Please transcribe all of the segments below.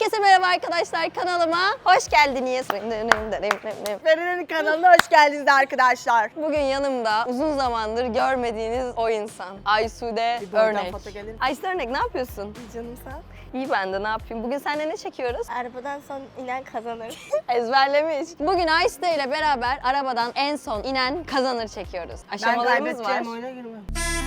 Herkese merhaba arkadaşlar, kanalıma hoş geldiniz. Feride'nin kanalına hoş geldiniz arkadaşlar. Bugün yanımda uzun zamandır görmediğiniz o insan. Aysude Örnek. Aysude Örnek, ne yapıyorsun? Canım sen? İyi, ben de ne yapayım? Bugün seninle ne çekiyoruz? Arabadan son inen kazanır. Ezberlemiş. Bugün Aysude ile beraber arabadan en son inen kazanır çekiyoruz. Aşamalarımız var. oyuna girmem.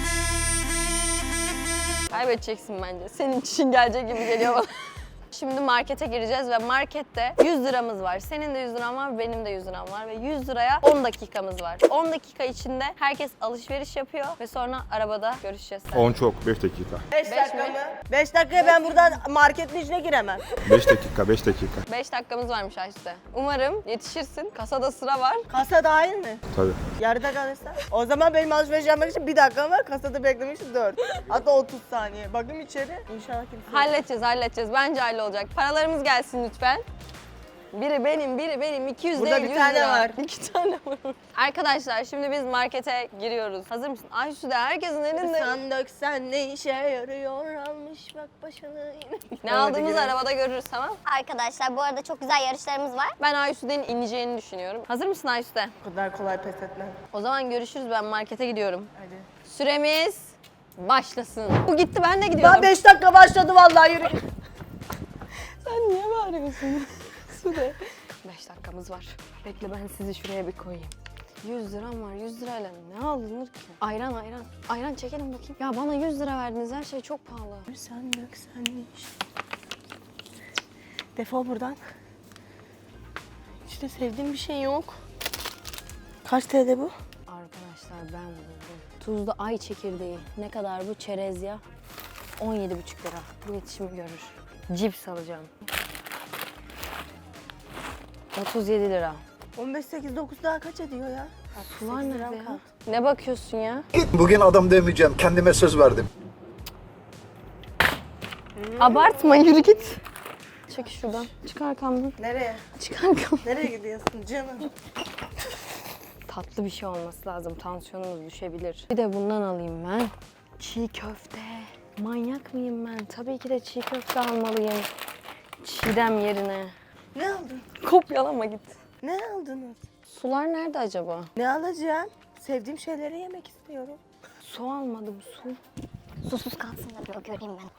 Kaybedeceksin bence. Senin için gelecek gibi geliyor bana. Şimdi markete gireceğiz ve markette 100 liramız var. Senin de 100 liran var, benim de 100 liram var ve 100 liraya 10 dakikamız var. 10 dakika içinde herkes alışveriş yapıyor ve sonra arabada görüşeceğiz. 10 çok, 5 dakika. 5 dakika mı? 5 dakikaya ben buradan marketin içine giremem. 5 dakika, 5 dakika. 5 dakikamız varmış Ayşe. Umarım yetişirsin. Kasada sıra var. Kasa dahil mi? Tabii. Yarıda kalırsa. O zaman benim alışveriş yapmak için 1 dakika var. Kasada beklemek için 4. Hatta 30 saniye. Bakayım içeri. İnşallah kimse yok. Halledeceğiz. Bence hallolacak. Paralarımız gelsin lütfen. Biri benim, 200 Burada değil, bir 100 tane lira. var. 2 tane var. Arkadaşlar şimdi biz markete giriyoruz. Hazır mısın? Ayşe de herkesin elinde. Sen döksen ne işe yarıyor, almış bak başını yine. Ne aldığımızı arabada görürüz, tamam? Arkadaşlar bu arada çok güzel yarışlarımız var. Ben Ayşe'nin ineceğini düşünüyorum. Hazır mısın Ayşe? Bu kadar kolay pes etmem. O zaman görüşürüz, ben markete gidiyorum. Hadi. Süremiz başlasın. Bu gitti, ben de gidiyorum. Daha 5 dakika başladı vallahi, yürü. Sen niye bağırıyorsun? Sude. 5 dakikamız var. Bekle, ben sizi şuraya bir koyayım. 100 liram var. 100 lirayla ne alınır ki? Ayran. Ayran çekelim bakayım. Ya bana 100 lira verdiniz. Her şey çok pahalı. Sen döksen ne iş? Defol buradan. İşte sevdiğim bir şey yok. Kaç TL bu? Arkadaşlar ben buldum. Tuzlu ay çekirdeği. Ne kadar bu? Çerez ya. 17,5 lira. Bu iletişimi görür. Cips alacağım. 37 lira. 15, 8, 9 daha kaç ediyor ya? Sular 8 nerede liram ya? kaldı. Ne bakıyorsun ya? Bugün adam demeyeceğim. Kendime söz verdim. Abartma, yürü git. Çek şuradan. Çık arkamdan. Nereye? Çık arkamdan. Nereye gidiyorsun canım? Tatlı bir şey olması lazım. Tansiyonumuz düşebilir. Bir de bundan alayım ben. Çiğ köfte. Manyak mıyım ben? Tabii ki de çiğ köfte almalıyım. Çiğdem yerine. Ne aldın? Kopyalama git. Ne aldınız? Sular nerede acaba? Ne alacağım? Sevdiğim şeyleri yemek istiyorum. Su almadım, su. Susuz kalsın da bir o göreyim ben.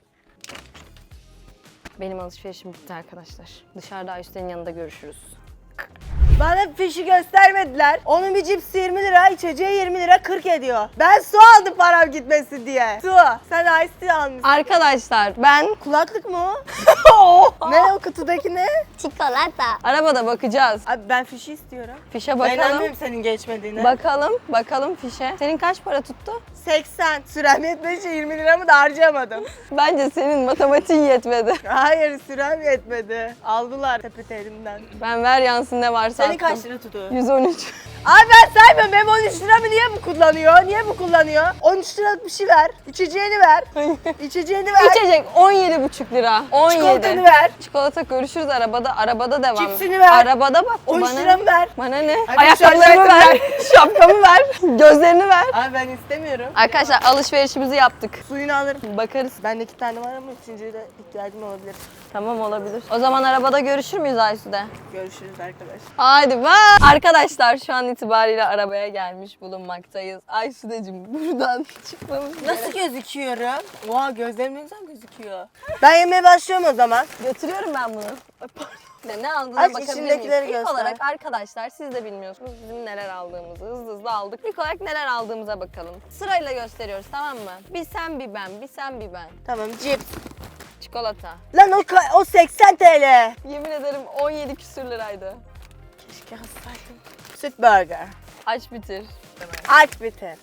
Benim alışverişim bitti arkadaşlar. Dışarıda Ayşe'nin yanında görüşürüz. Bana fişi göstermediler. Onun bir cipsi 20 lira, içeceği 20 lira 40 ediyor. Ben su aldım param gitmesin diye. Su. Sen ice tea almışsın. Arkadaşlar ben Kulaklık mı o? Ne o kutudaki ne? Çikolata. arabada bakacağız. Abi ben fişi istiyorum. Fişe Ben bakalım. inanmıyorum senin geçmediğine. Bakalım fişe. Senin kaç para tuttu? 80. Sürem yetmediği için 20 liramı da harcamadım. Bence senin matematiğin yetmedi. Hayır, sürem yetmedi. Aldılar sepeti elimden. Ben ver yansın ne varsa Senin attım. kaç lira tutuyor? 113. Abi ben saymıyorum. Benim 13 liramı niye bu kullanıyor? Niye bu kullanıyor? 13 liralık bir şey ver. İçeceğini ver. İçeceğini ver. İçecek 17,5 lira. 17. Çikolatanı ver. Çikolata görüşürüz arabada. Arabada devam. Cipsini ver. Arabada bak. 13 bana liramı ver. Bana ne? Hadi Ayakkabılarımı şarjı ver. Şapkamı ver. Gözlerini ver. Abi ben istemiyorum. Arkadaşlar alışverişimizi yaptık. Suyunu alırım. Bakarız. Bende 2 tane var ama üçüncüye de ihtiyacım olabilir. Tamam, olabilir. O zaman arabada görüşür müyüz Aysu'da? Görüşürüz arkadaşlar. Haydi bye. Arkadaşlar şu an itibariyle arabaya gelmiş bulunmaktayız. Aysu'dacığım buradan çıkmamız Nasıl gözüküyorum? Oha, gözlerim ne güzel gözüküyor. Ben yemeye başlıyorum o zaman. Götürüyorum ben bunu. Ay, pardon. Ne aldığına Aç bakabilir miyiz? içindekileri İlk göster. olarak arkadaşlar siz de bilmiyorsunuz bizim neler aldığımızı. Hızlı aldık. İlk olarak neler aldığımıza bakalım. Sırayla gösteriyoruz, tamam mı? Bir sen bir ben, bir sen bir ben. Tamam, cips. Çikolata. Lan o 80 TL. Yemin ederim 17 küsür liraydı. Keşke alsaydım. Süt burger. Aç bitir. Aç bitir.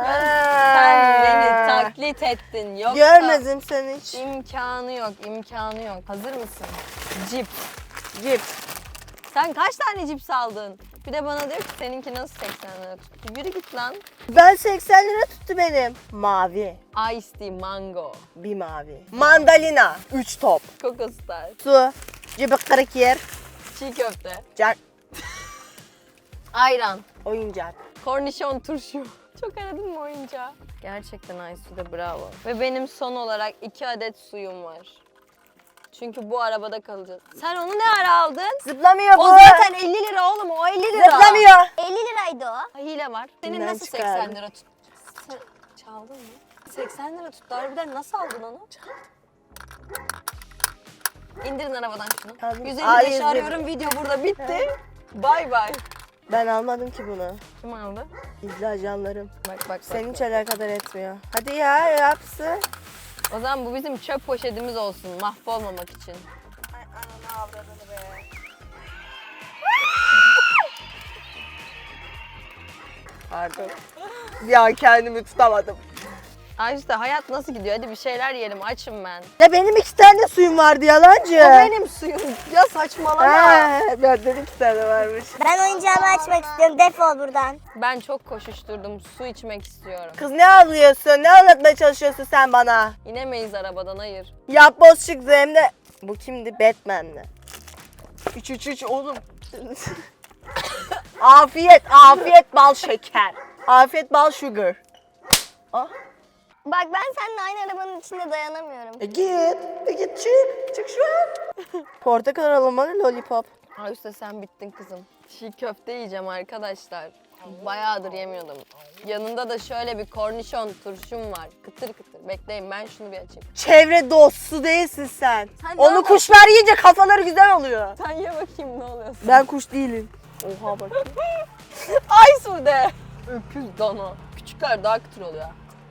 Sen beni taklit ettin. Yoksa Görmedim seni hiç. imkanı yok. Hazır mısın? Cips. Cips. Sen kaç tane cips aldın? Bir de bana diyor ki seninki nasıl 80 lira tuttu? Yürü git lan. Ben 80 lira tuttu benim. Mavi. Ice tea mango. Bir mavi. Mandalina. 3 top. Coco Star. Su. Cıbık kırık yer. Çiğ köfte. Jack. Ayran. Oyuncak. Kornişon turşu. Çok aradın mı oyuncağı? Gerçekten Aysu'da bravo. Ve benim son olarak 2 adet suyum var. Çünkü bu arabada kalacağız. Sen onu ne ara aldın? Zıplamıyor bu. O zaten 50 lira oğlum, o 50 lira. Zıplamıyor. 50 liraydı o. Ha, hile var. Senin Kimden nasıl çıkardın? 80 lira tut? Çaldın mı? 80 lira tuttu. Harbiden nasıl aldın onu? İndirin arabadan şunu. Aldım. 155 Hayır, arıyorum, video burada bitti. Bay bay. Ben almadım ki bunu. Kim aldı? İzle canlarım. Bak. Senin hiç alakadar etmiyor. Hadi ya yapsın. O zaman bu bizim çöp poşetimiz olsun, mahvolmamak için. Ay ananı avradını be. Pardon. Bir an kendimi tutamadım. Ay işte hayat nasıl gidiyor? Hadi bir şeyler yiyelim, açım ben. Ya benim 2 tane suyum vardı yalancı. O benim suyum. Ya saçmalama. Benden 2 tane varmış. Ben oyuncağımı açmak istiyorum. Defol buradan. Ben çok koşuşturdum, su içmek istiyorum. Kız ne ağlıyorsun? Ne anlatmaya çalışıyorsun sen bana? İnemeyiz arabadan, hayır. Yapboz çıktı hem de. Bu kimdi? Batman'li. Üç oğlum. Afiyet bal şeker. Afiyet bal sugar. Ah. Bak ben seninle aynı arabanın içinde dayanamıyorum. Git çık şu an. Portakal aromalı lollipop. Ay işte sen bittin kızım. Çiğ köfte yiyeceğim arkadaşlar. Bayağıdır yemiyordum. Yanında da şöyle bir kornişon turşum var. Kıtır kıtır. Bekleyin ben şunu bir açayım. Çevre dostu değilsin sen. Sen ne Onu yapıyorsun? kuşlar yiyince kafaları güzel oluyor. Sen ye bakayım ne oluyorsun. Ben kuş değilim. Oha bak. Ay Sude. Öküz dana. Küçükler daha kıtır oluyor.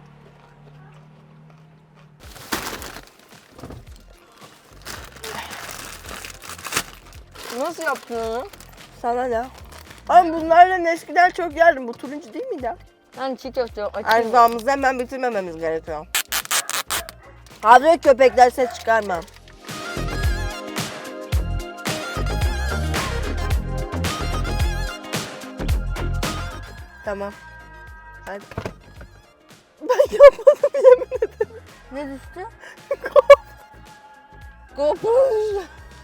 Nasıl yaptın onu? Sana ne? Ama bunlarla eskiden çok yerdim. Bu turuncu değil miydi? Ben çiğ köfte yok. Açayım. Erzağımızı hemen bitirmememiz gerekiyor. Hazır köpekler ses çıkarma. Tamam. Hadi. Ben yapmadım yemin ederim. Ne düştü? GoPro.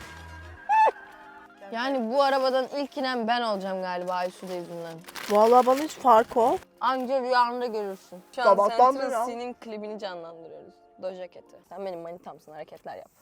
Yani bu arabadan ilk inen ben olacağım galiba Aysu'da yüzünden. Vallahi bana hiç fark o. Anca rüyanda görürsün. Şu an Sabahtan beri Central al. C'nin klibini canlandırıyoruz. Doja Cat'i. Sen benim manitamsın, hareketler yap.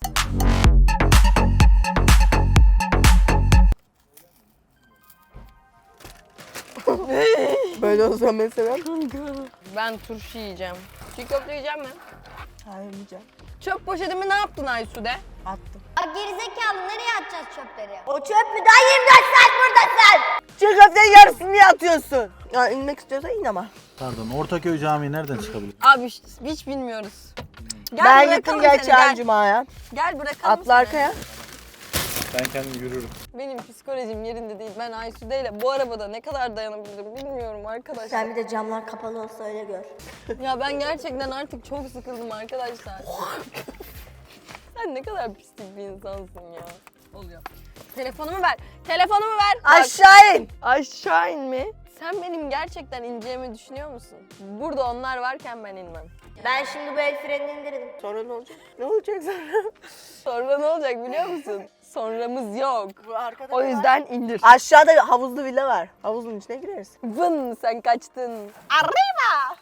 Böyle olsa mesela. Ben turşu yiyeceğim. Çiğ köfte yiyeceğim mi? Hayır yiyeceğim. Çöp poşetimi ne yaptın Aysu'de? Attım. Bak gerizekalı nereye atacağız çöpleri? O çöp mü? Daha 24 saat buradasın. Çiğ köftenin yarısını niye atıyorsun? Ya inmek istiyorsan in ama. Pardon, Ortaköy Camii nereden çıkabilir? Abi hiç bilmiyoruz. Gel Ben bırakalım gittim seni, geçen gel. cumaya. Gel bırakalım Atla seni. arkaya. Ben kendim yürürüm. Benim psikolojim yerinde değil. Ben Aysu'deyle bu arabada ne kadar dayanabilirim bilmiyorum arkadaşlar. Sen bir de camlar kapalı olsa öyle gör. Ya ben gerçekten artık çok sıkıldım arkadaşlar. Sen ne kadar pislik bir insansın ya. Oluyor. Telefonumu ver. Telefonumu ver. Bak. Aşağı in. Aşağı in mi? Sen benim gerçekten ineceğimi düşünüyor musun? Burada onlar varken ben inmem. Ben şimdi bu el frenini indirdim. Sonra ne olacak? Ne olacak sonra? Sonra ne olacak biliyor musun? Sonramız yok. Bu arkada O ne var? yüzden indir. Aşağıda havuzlu villa var. Havuzun içine gireriz. Vın sen kaçtın. Arriba!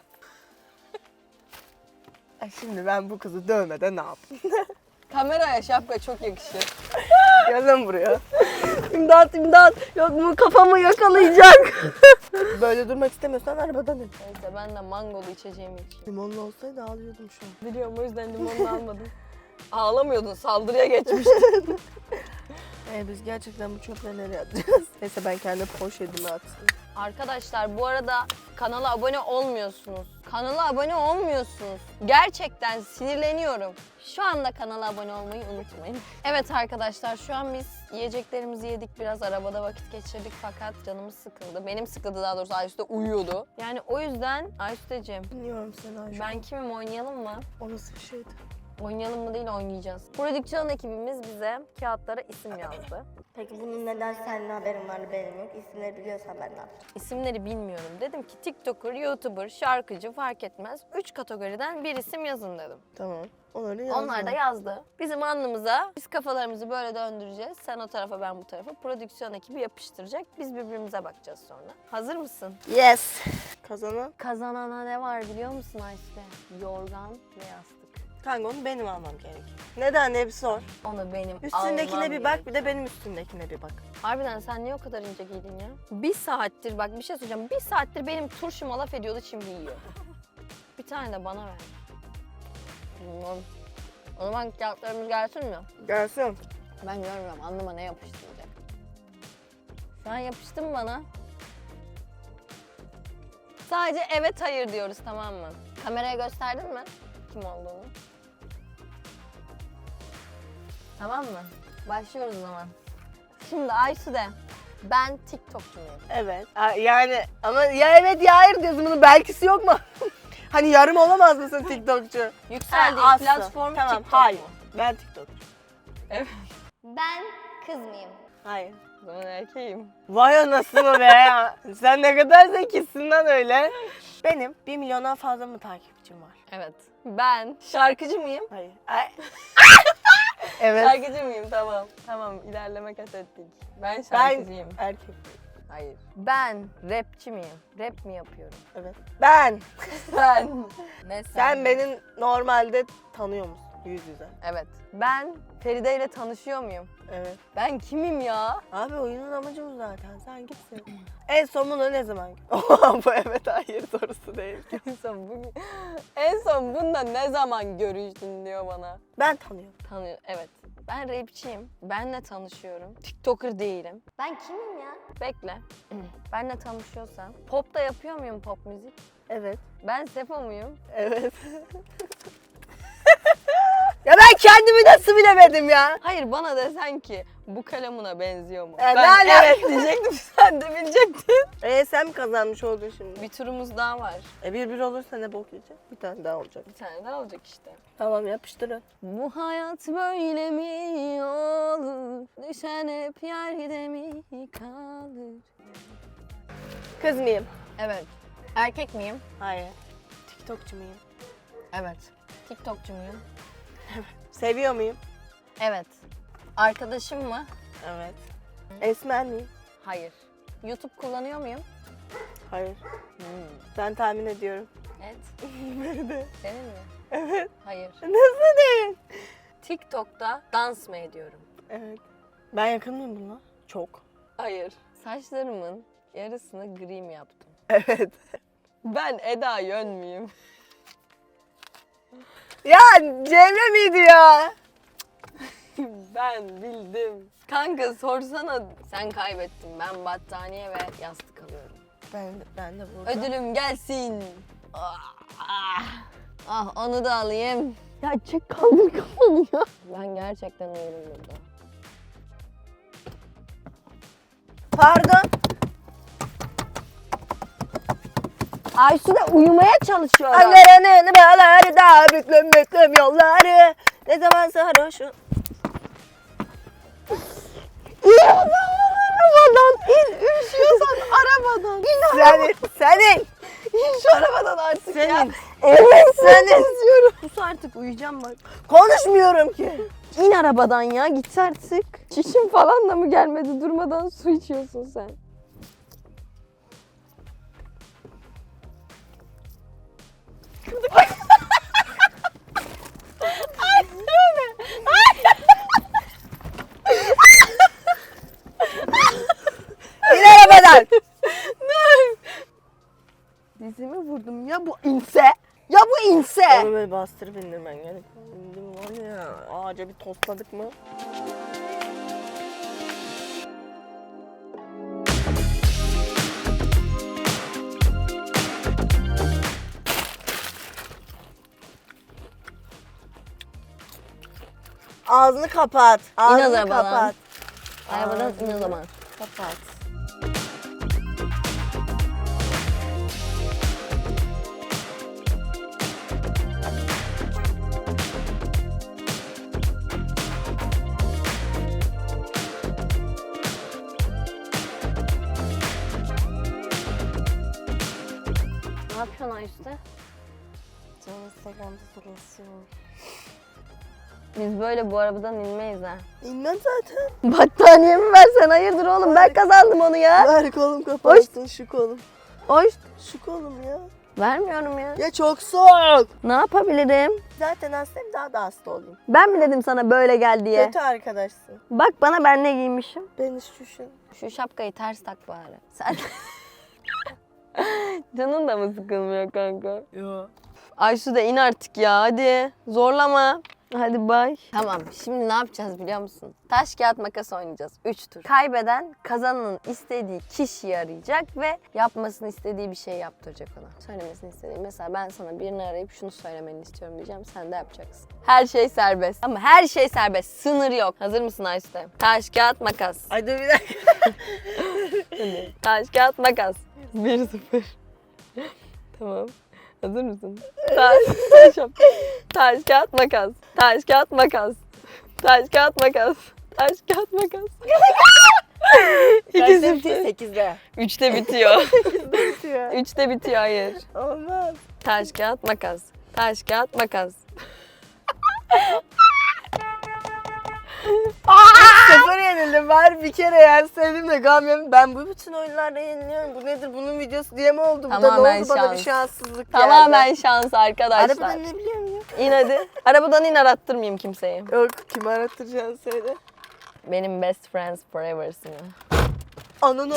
Ay şimdi ben bu kızı dövmeden ne yapayım? Kameraya şapka çok yakışır. Gel buraya. İmdat imdat. Yok mu kafamı yakalayacak. Böyle durmak istemiyorsan arabadan in. Neyse ben de mangolu içeceğimi içeyim. Limonlu olsaydı ağlıyordum şu an. Biliyorum o yüzden limonunu almadım. Ağlamıyordun, saldırıya geçmiştin. Biz gerçekten bu çöpleri nereye atacağız? Neyse ben kendi poşetime atayım. Arkadaşlar bu arada kanala abone olmuyorsunuz. Kanala abone olmuyorsunuz. Gerçekten sinirleniyorum. Şu anda kanala abone olmayı unutmayın. Evet arkadaşlar şu an biz yiyeceklerimizi yedik. Biraz arabada vakit geçirdik fakat canımız sıkıldı. Benim sıkıldı daha doğrusu Aysu da uyuyordu. Yani o yüzden Aysu'cığım Dinliyorum seni Ayşe. ben kimim oynayalım mı? O nasıl bir şeydi? Oynayalım mı değil oynayacağız. Prodüksiyon ekibimiz bize kağıtlara isim yazdı. Peki bunun neden senin haberin var benim yok? İsimleri biliyorsan ben ne yapacağım? İsimleri bilmiyorum. Dedim ki TikToker, YouTuber, şarkıcı fark etmez. 3 kategoriden bir isim yazın dedim. Tamam. Onları yazdım. Onlar da yazdı. Bizim alnımıza biz kafalarımızı böyle döndüreceğiz. Sen o tarafa ben bu tarafa. Prodüksiyon ekibi yapıştıracak. Biz birbirimize bakacağız sonra. Hazır mısın? Yes. Kazanan. Kazanana ne var biliyor musun Ayşe? Yorgan ve yastık. Kanka onu benim almam gerekiyor. Neden diye bir sor. Onu benim Üstündekine almam bir bak, gerek. bir de benim üstündekine bir bak. Harbiden sen niye o kadar ince giydin ya? Bir saattir bak bir şey söyleyeceğim. Bir saattir benim turşuma laf ediyordu şimdi yiyor. Bir tane de bana ver. Bilmiyorum. O zaman kağıtlarımız gelsin mi? Gelsin. Ben görmüyorum. Anlama ne yapıştıracak. Sen yapıştın mı bana? Sadece evet hayır diyoruz, tamam mı? Kameraya gösterdin mi kim olduğunu? Tamam mı? Başlıyoruz o zaman. Şimdi Aysu'de ben TikTokçu muyum? Evet. Yani ama ya evet ya hayır diyorsun, bunun belkisi yok mu? Hani yarım olamaz mısın TikTokçu? Yükseldiği Aslı. platform Tamam, TikTok hayır. mu? Ben TikTokçu. Ben kız mıyım? Hayır. O zaman erkeğim. Vay anasını be. Sen ne kadar zekisin lan öyle. Benim 1 milyondan fazla mı takipçim var? Evet. Ben şarkıcı mıyım? Hayır. Evet. Şarkıcı mıyım? Tamam. Tamam, ilerleme kat ettik. Ben Ben şarkıcıyım. erkek. Hayır. Ben rapçi miyim? Rap mi yapıyorum? Evet. Ben. Sen. Ne Sen beni normalde tanıyor musun? Yüz yüze. Evet. Ben Feride ile tanışıyor muyum? Evet. Ben kimim ya? Abi oyunun amacı bu zaten. Sen gitsin. En son bunu ne zaman? Bu evet hayır sorusu değil. En son bunda ne zaman görüştün diyor bana. Ben tanıyorum. Tanıyor. Evet. Ben rapçiyim. Benle tanışıyorum. TikToker değilim. Ben kimim ya? Bekle. Benle tanışıyorsan. Pop da yapıyor muyum, pop müzik? Evet. Ben Sefo muyum? Evet. Ya ben kendimi nasıl bilemedim ya? Hayır, bana desen ki bu kalemuna benziyor mu? Ne Ben alaka? evet diyecektim, sen de bilecektin. Sen mi kazanmış oldun şimdi? Bir turumuz daha var. 1-1 olursa ne bok yiyecek? Bir tane daha olacak. Bir tane daha olacak işte. Tamam yapıştırın. Bu hayat böyle mi olur? Düşen hep yerde mi kalır? Kız mıyım? Evet. Erkek miyim? Hayır. TikTokçu muyum? Evet. TikTokçu muyum? Seviyor muyum? Evet. Arkadaşım mı? Evet. Esmer miyim? Hayır. YouTube kullanıyor muyum? Hayır. Ben tahmin ediyorum. Evet. Nerede? Senin mi? Evet. Hayır. Nasıl değil? TikTok'ta dans mı ediyorum? Evet. Ben yakın mıyım bununla? Çok. Hayır. Saçlarımın yarısını gri mi yaptım? Evet. Ben Eda Yön müyüm? Ya Cemre miydi ya? Ben bildim. Kanka sorsana. Sen kaybettin. Ben battaniye ve yastık alıyorum. Ben de burada. Ödülüm gelsin. Ah, onu da alayım. Ya çek, kaldır kafanı ya. Ben gerçekten uyurum burada. Pardon. Aysu da uyumaya çalışıyor. Annelerinin bağları da büklüm büklüm yolları. Ne zaman sarhoşum. Arabadan in, üşüyorsan arabadan. İn Senin. İn şu arabadan artık ya. Senin. Evet Senin. istiyorum. Sus artık, uyuyacağım bak. Konuşmuyorum ki. İn arabadan ya, git artık. Çişim falan da mı gelmedi, durmadan su içiyorsun sen. İn arabadan. Dizimi vurdum ya, bu inse. Ya bu inse. Onu böyle bastırıp indirmen gerek. İndim var ya. Ağaca bir tosladık mı? Ağzını kapat. Ağzını arabadan. kapat. Arabadan in o zaman. Kapat. Ne yapıyorsun Ayşe? Canım Instagram'da soruyorsun. Biz böyle bu arabadan inmeyiz ha. İnmem zaten. Battaniyemi versen, hayırdır oğlum, ben kazandım onu ya. Ver kolum kapattın şu kolum. Hoş. Şu kolum ya. Vermiyorum ya. Ya çok soğuk. Ne yapabilirim? Zaten hastayım, daha da hasta olayım. Ben mi dedim sana böyle gel diye? Kötü arkadaşsın. Bak bana ben ne giymişim. Beni şuşun. Şu şapkayı ters tak bari. Sen... Canın da mı sıkılmıyor kanka? Yok. Aysu da in artık ya hadi. Zorlama. Hadi bay. Tamam şimdi ne yapacağız biliyor musun? Taş kağıt makas oynayacağız. 3 tur. Kaybeden kazananın istediği kişiyi arayacak ve yapmasını istediği bir şey yaptıracak ona. Söylemesini istediği. Mesela ben sana birini arayıp şunu söylemeni istiyorum diyeceğim. Sen de yapacaksın. Her şey serbest. Ama her şey serbest. Sınır yok. Hazır mısın Aysu? Taş kağıt makas. Ay dur bir dakika. Hadi. Taş kağıt makas. 1-0. Tamam. Hazır mısın? Taş kağıt makas. Taş kağıt makas. Taş kağıt makas. Taş kağıt makas. Kaçta bitiyor? 2-0. 8'de. 3'te bitiyor. Bitiyor. 3'te bitiyor hayır. Olmaz. Taş kağıt makas. Taş kağıt makas. 0 yenildim. Var bir kere yenseydin de gam yemin. Ben bu bütün oyunlarda yeniliyorum. Bu nedir? Bunun videosu diye mi oldu? Bu da ne Tamamen oldu? Bana bir şans. şanssızlık geldi. Tamamen şans arkadaşlar. Arabadan ne biliyor muyum? İn hadi. Arabadan in arattırmayayım kimseyi. Yok, kimi arattıracaksın söyle. Benim best friends forever'sın ya. Ananı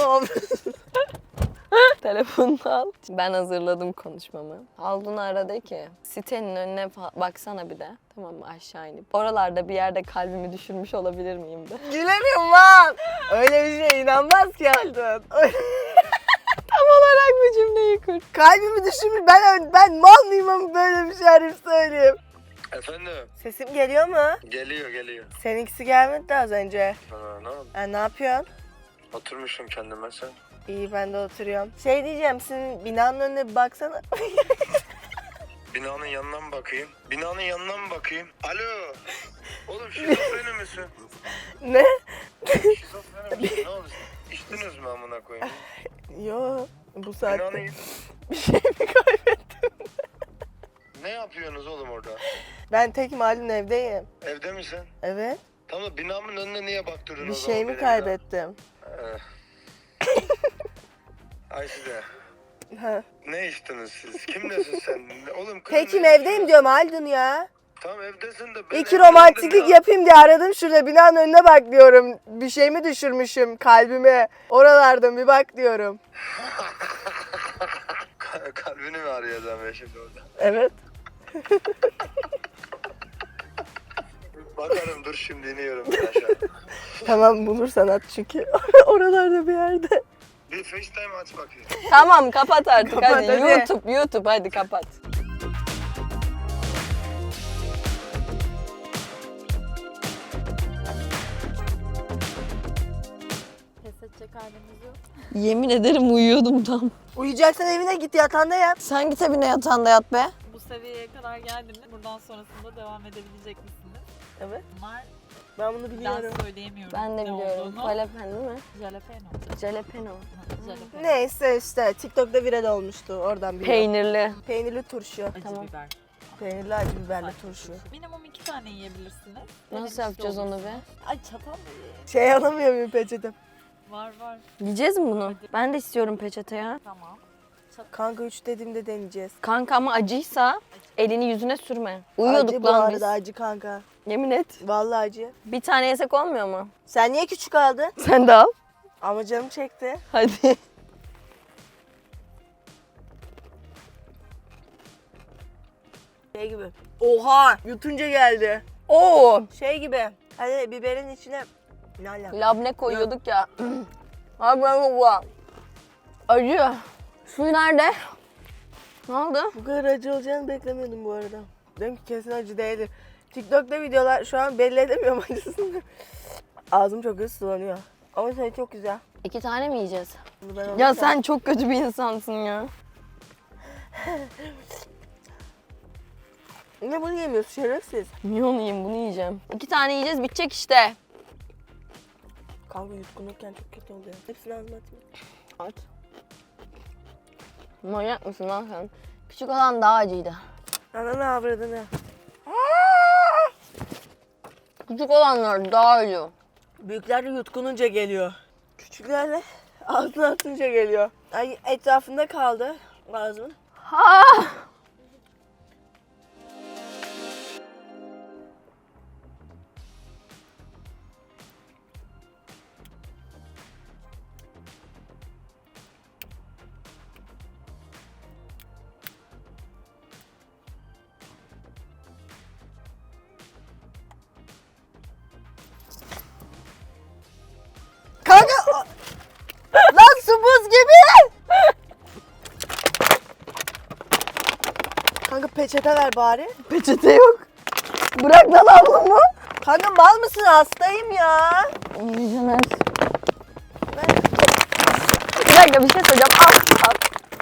Telefonunu al. Ben hazırladım konuşmamı. Haldun aradı ki sitenin önüne baksana bir de. Tamam mı aşağı inip. Oralarda bir yerde kalbimi düşürmüş olabilir miyim de. Gülemiyorum lan. Öyle bir şeye inanmaz ki Haldun. Tam olarak bu cümleyi kur. Kalbimi düşürmüş. Ben mal mıyım ama böyle bir şey arayıp söyleyeyim. Efendim? Sesim geliyor mu? Geliyor. Seninkisi gelmedi de az önce. Ne oldu? Ne yapıyorsun? Oturmuşum kendime sen. İyi ben de oturuyorum. Şey diyeceğim, senin binanın önüne bir baksana. Binanın yanına mı bakayım? Binanın yanına mı bakayım? Alo? Oğlum şizofreni misin? Ne? Şizofreni misin? Ne oldu? İçtiniz mi amına koyayım? Yo, bu saatte Binanın... bir şey mi kaybettim? Ne yapıyorsunuz oğlum orada? Ben tekim halin evdeyim. Evde misin? Evet. Tamam binamın önüne niye baktırıyorsun Bir o zaman şey mi benim kaybettim? ya? Ayşe Ha. ne içtiniz siz? Kimlesin sen? Oğlum kızım Tekim ne evdeyim içiyorsun? diyorum Haldun ya. Tamam evdesin de ben İki evdeyim romantiklik de- yapayım diye aradım, şurada binanın önüne bak diyorum. Bir şey mi düşürmüşüm kalbime? Oralardan bir bak diyorum. Kalbini mi arayacağım ben şimdi orada? Evet. Bakarım dur şimdi iniyorum ben aşağı. Tamam, bulursan at çünkü. Oralarda bir yerde. Bir FaceTime aç bakayım. Tamam kapat artık Kapat, hadi. hadi. YouTube hadi kapat. Pes edecek halimiz yok. Yemin ederim uyuyordum tam. Uyuyacaksan evine git, yatağında yat. Sen git evine yatağında yat be. Bu seviyeye kadar geldiniz. Buradan sonrasında devam edebilecek misiniz? Evet. Bunlar Ben bunu ben biliyorum. söyleyemiyorum. Ben de ne biliyorum. olduğunu. Jalapeno değil mi? Jalapeno. Jalapeno. Jalapeno. Neyse işte TikTok'ta viral olmuştu, oradan biliyorum. Peynirli. Peynirli turşu. Acı Tamam. biber. Peynirli acı biberli turşu. Minimum 2 tane yiyebilirsiniz. Nasıl Denemiş yapacağız onu olursunuz. be? Ay çatal da ye. Şey alamıyor muyum peçetem? Var. Yiyeceğiz mi bunu? Ben de istiyorum peçete ya. Tamam. Kanka 3 dediğimde deneyeceğiz. Kanka ama acıysa elini yüzüne sürme. Uyuyorduk Acı bu lan arada, biz. acı kanka. Yemin et. Vallahi acı. Bir tane yesek olmuyor mu? Sen niye küçük aldın? Sen de al. Ama canım çekti. Hadi. Şey gibi. Oha! Yutunca geldi. Oo. Şey gibi. Hani biberin içine... Ne alaka? Labne koyuyorduk ya. Abi ben bu. Acı. Suyu nerede? Ne oldu? Bu kadar acı olacağını beklemiyordum bu arada. Dedim ki kesin acı değildir. TikTok'ta videolar şu an belli edemiyorum acısını. Ağzım çok hızlı sulanıyor. Ama şey çok güzel. 2 tane mi yiyeceğiz? Bunu ben Ya alacağım. sen çok kötü bir insansın ya. Ne bunu yemiyorsun şerefsiz? Niye onu yiyeyim bunu yiyeceğim. 2 tane yiyeceğiz bitecek işte. Kanka yutkunurken çok kötü oluyor. Hepsini ağzıma atayım. At. Manyak mısın lan sen? Küçük olan daha acıydı. Ananı avradını. Küçük olanlar daha acı. Büyükler de yutkununca geliyor. Küçükler de ağzına atınca geliyor. Ay etrafında kaldı ağzımın. Kanka lan su buz gibi. Kanka peçete ver bari. Peçete yok. Bırak lan ablamı. Kanka mal mısın? Hastayım ya. Caner. Bir dakika bir şey söyleyeceğim. Al.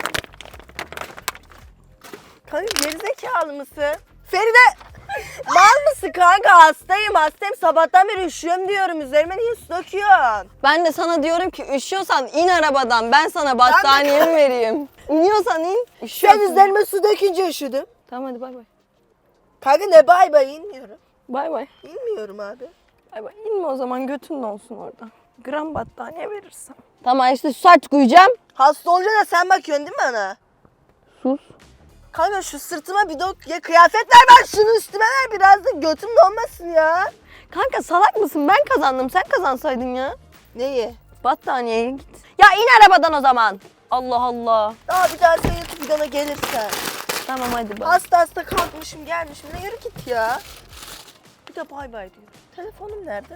Kanka gerizekalı mısın? Feride mal mısın kanka? Hastayım. Sabahtan beri üşüyorum diyorum. Üzerime niye su döküyorsun? Ben de sana diyorum ki üşüyorsan in arabadan. Ben sana battaniyemi vereyim. İniyorsan in. Sen Üşüyorsun. üzerime su dökünce üşüdüm. Tamam hadi bay bay. Kanka ne bay bay inmiyorum. Bay bay. İnmiyorum abi. Bay bay. İnme o zaman götün de olsun orada. Gram battaniye verirsem. Tamam işte su aç koyacağım. Hasta olunca da sen bakıyorsun değil mi bana? Sus. Kanka şu sırtıma bir ya kıyafet ver ben şunu üstüme ver biraz da götüm donmasın ya. Kanka salak mısın? Ben kazandım. Sen kazansaydın ya. Neyi? Battaniyeye git. Ya in arabadan o zaman. Allah Allah. Daha bir daha sen YouTube videona gelirsen. Tamam hadi bay. Hasta kalkmışım gelmişim ne yürü git ya. Bir de bay bay diyor. Telefonum nerede?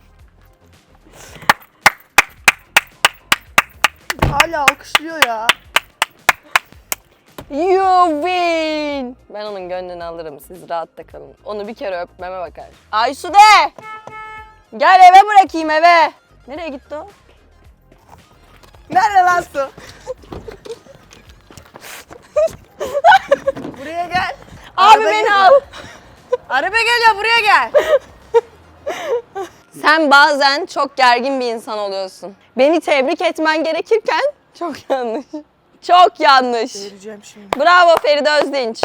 Hala alkışlıyor ya. You win. Ben onun gönlünü alırım. Siz rahatta kalın. Onu bir kere öpmeme bakar. Aysude! Gel eve bırakayım eve. Nereye gitti o? Nerede lan su? Buraya gel. Abi Araba beni geliyor. al. Araba geliyor buraya gel. Sen bazen çok gergin bir insan oluyorsun. Beni tebrik etmen gerekirken çok yanlış. Çok yanlış. Vereceğim şimdi. Bravo Feride Özdinç.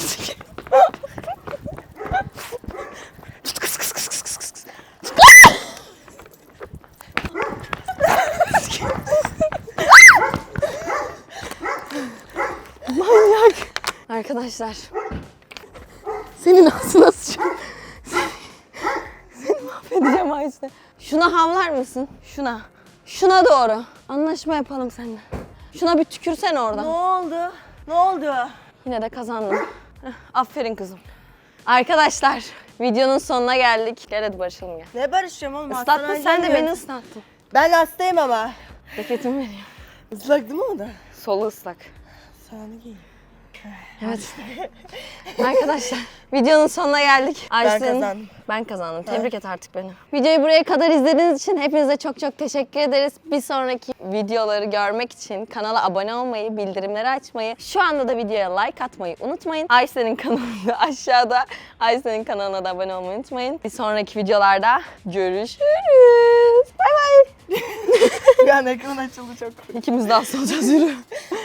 Manyak. Arkadaşlar. Senin ağzına sıçacağım. Seni mahvedeceğim Ayşe. Şuna havlar mısın? Şuna. Şuna doğru. Anlaşma yapalım seninle. Şuna bir tükürsen Ne oradan. oldu? Ne oldu? Yine de kazandım. Heh, aferin kızım. Arkadaşlar videonun sonuna geldik. Gel hadi barışalım gel. Ne barışacağım oğlum? Islattın hastaneden sen de geliyorum. beni ıslattın. Ben hastayım ama. Ceketimi vereyim. Islak değil mi o da? Solu ıslak. Sağını giy. Evet. Arkadaşlar videonun sonuna geldik. kazandım. Ben kazandım. Tebrik et artık beni. Videoyu buraya kadar izlediğiniz için hepinize çok çok teşekkür ederiz. Bir sonraki videoları görmek için kanala abone olmayı, bildirimleri açmayı, şu anda da videoya like atmayı unutmayın. Ayşe'nin kanalı aşağıda. Ayşe'nin kanalına da abone olmayı unutmayın. Bir sonraki videolarda görüşürüz. Bay bay. Bir an ekran açıldı çok. İkimiz de hasta olacağız yürü.